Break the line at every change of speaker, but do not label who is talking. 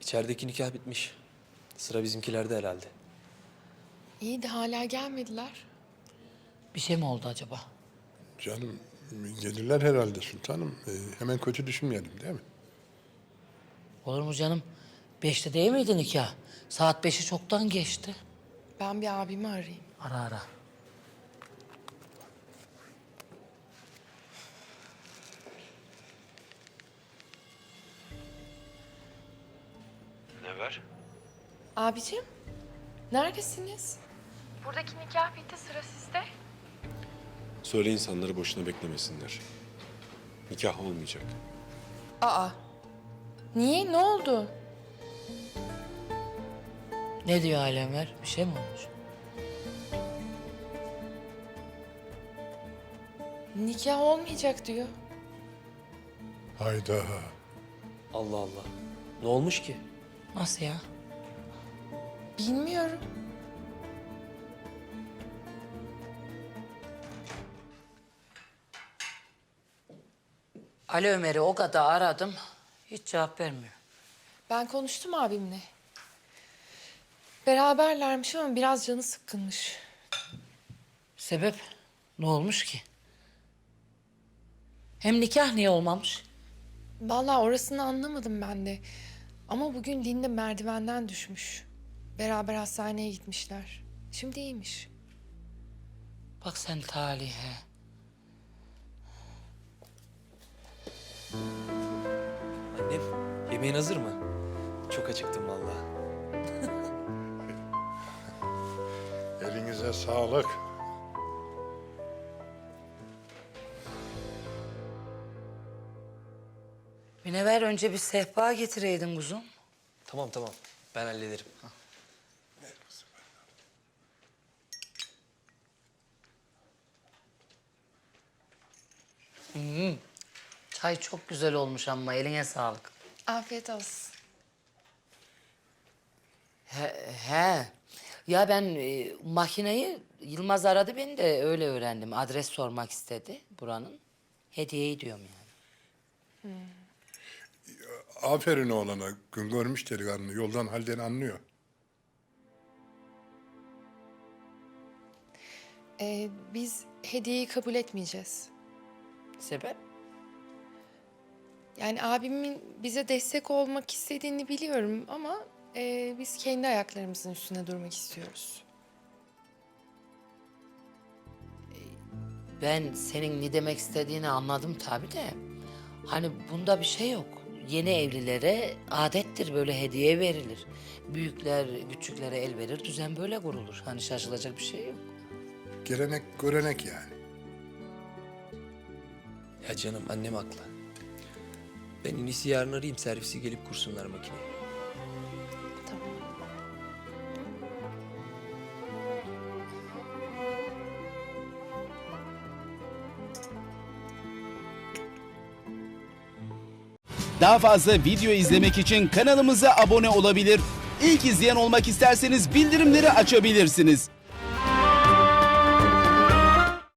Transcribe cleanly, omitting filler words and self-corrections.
İçerideki nikah bitmiş. Sıra bizimkilerde herhalde.
İyi de hala gelmediler.
Bir şey mi oldu acaba?
Canım gelirler herhalde sultanım. Hemen kötü düşünmeyelim değil mi?
Olur mu canım? 5'te değil miydi nikah? Saat 5'i çoktan geçti.
Ben bir abimi arayayım.
Ara ara.
Ne var?
Abicim, neredesiniz? Buradaki nikah bitti, sıra sizde.
Söyle insanları boşuna beklemesinler. Nikah olmayacak.
Aa, niye? Ne oldu?
Ne diyor Alemver? Bir şey mi olmuş?
Nikah olmayacak diyor.
Hayda.
Allah Allah. Ne olmuş ki?
Nasıl ya?
Bilmiyorum.
Ali Ömer'i o kadar aradım. Hiç cevap vermiyor.
Ben konuştum abimle. Beraberlermiş ama biraz canı sıkkınmış.
Sebep? Ne olmuş ki? Hem nikah niye olmamış?
Vallahi orasını anlamadım ben de. Ama bugün Linde merdivenden düşmüş. Beraber hastaneye gitmişler. Şimdi iyiymiş.
Bak sen talihe.
Annem, yemeğin hazır mı? Çok acıktım vallahi.
Elinize sağlık.
Münevver önce bir sehpa getireydin kuzum.
Tamam tamam. Ben hallederim.
Çay çok güzel olmuş ama eline sağlık.
Afiyet olsun.
He. Ya ben makineyi Yılmaz aradı beni de öyle öğrendim. Adres sormak istedi buranın. Hediyeyi diyorum yani.
Aferin oğlana. Gün görmüş delikanlı. Yoldan halden anlıyor.
Biz hediyeyi kabul etmeyeceğiz.
Sebep?
Yani abimin bize destek olmak istediğini biliyorum ama biz kendi ayaklarımızın üstüne durmak istiyoruz.
Ben senin ne demek istediğini anladım tabii de. Hani bunda bir şey yok. Yeni evlilere adettir böyle hediye verilir. Büyükler küçüklere el verir, düzen böyle kurulur. Hani şaşılacak bir şey yok.
Gelenek görenek yani.
Ya canım annem haklı. Ben en iyisi yarın arayayım, servisi gelip kursunlar makineyi.
Tamam.
Daha fazla video izlemek için kanalımıza abone olabilir. İlk izleyen olmak isterseniz bildirimleri açabilirsiniz.